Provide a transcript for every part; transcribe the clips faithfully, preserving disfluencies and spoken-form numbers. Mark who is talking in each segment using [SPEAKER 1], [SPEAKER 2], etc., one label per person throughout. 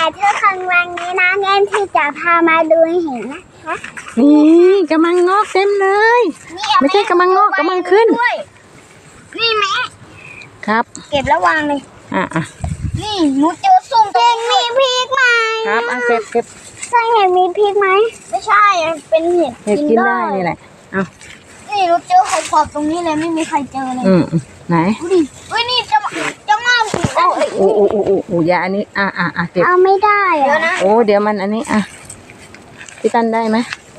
[SPEAKER 1] ทุกคนวันนี้นะเอ็มที่จะพามาดูเห็นนะคะ
[SPEAKER 2] นี่กำลังงอกเต็มเลยไม่ใช่กำลังงอกกำลังขึ้น
[SPEAKER 1] นี่แม่
[SPEAKER 2] ครับ
[SPEAKER 1] เก็บแล้ววางเลย
[SPEAKER 2] อ่ะอ่ะ
[SPEAKER 1] นี่หนูเจอสุ่มเองมีพริกไหม
[SPEAKER 2] ครับอ่ะเก็บเก็บ
[SPEAKER 1] ใช่เห็ดมีพริกไหมไม่ใช่เป็นเห็ด
[SPEAKER 2] เห็ดกินได้นี่แหละเอา
[SPEAKER 1] นี่หนูเจอขอบๆตรงนี้เลยไม่มีใครเจอเลย
[SPEAKER 2] อืมไหน
[SPEAKER 1] ดูดิเฮ้ยนี่จะจะงอก
[SPEAKER 2] โอ้โอ้โอ้โอ้โอ้ยาอันนี้อ่ะอ่ะอ่ะเก็บ
[SPEAKER 1] เอาไม่ได้เดี๋ยวนะ
[SPEAKER 2] โอ้เดี๋ยวมันอันนี้อ่ะพี่ตันได้ไหม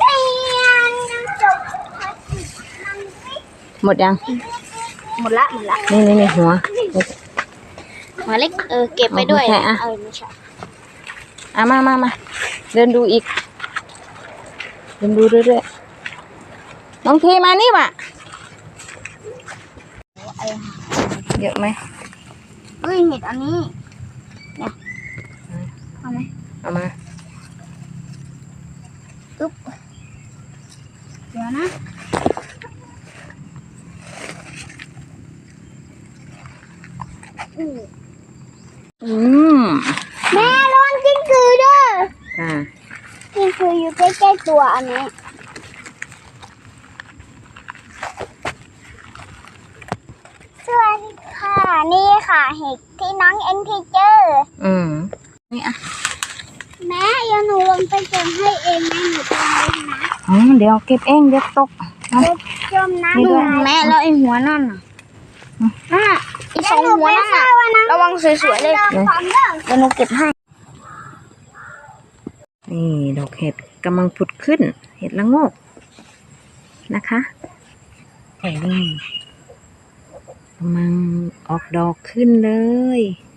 [SPEAKER 2] หมดยัง
[SPEAKER 1] หมดละหมดละ
[SPEAKER 2] นี่นี่นี่หัว
[SPEAKER 1] หัวเล็กเออเก็บไปด้วย
[SPEAKER 2] อ่ะ
[SPEAKER 1] เออไม่ใช่
[SPEAKER 2] อ่ะมามามาเดินดูอีกเดินดูเรื่อยๆน้องทีมานี่ว่ะเยอะไหม
[SPEAKER 1] เฮ้ยเห็ดอันนี้เนี่ยเอาไหม
[SPEAKER 2] เอามา
[SPEAKER 1] อึ๊บเดี๋ยวนะ
[SPEAKER 2] อืม
[SPEAKER 1] แม่ระวังกิ้งกือด้วย
[SPEAKER 2] อ่า
[SPEAKER 1] กิ้งกืออยู่ใกล้ๆตัวอันนี้สวัสดีค่ะนี่ค่ะเห็ดที่น้องเอ็นพีเจอร์
[SPEAKER 2] อืมนี่อ่ะ
[SPEAKER 1] แม่เดี๋ยวหนูลงไปเก็บให้เองนะหนูจะไปนะ
[SPEAKER 2] อืมเดี๋ยวเก็บเองเดี๋ยวตก
[SPEAKER 1] จมน้ำดูแม่แล้วไอ้หัวนั่นน่ะน่ะอีสองหัวนั่นน่ะระวังสวยๆเลยเดี๋ยวหนูเก็บให้
[SPEAKER 2] นี่ดอกเห็ดกำลังผุดขึ้นเห็ดละโงกนะคะนี่กำลังออกดอกขึ้นเลย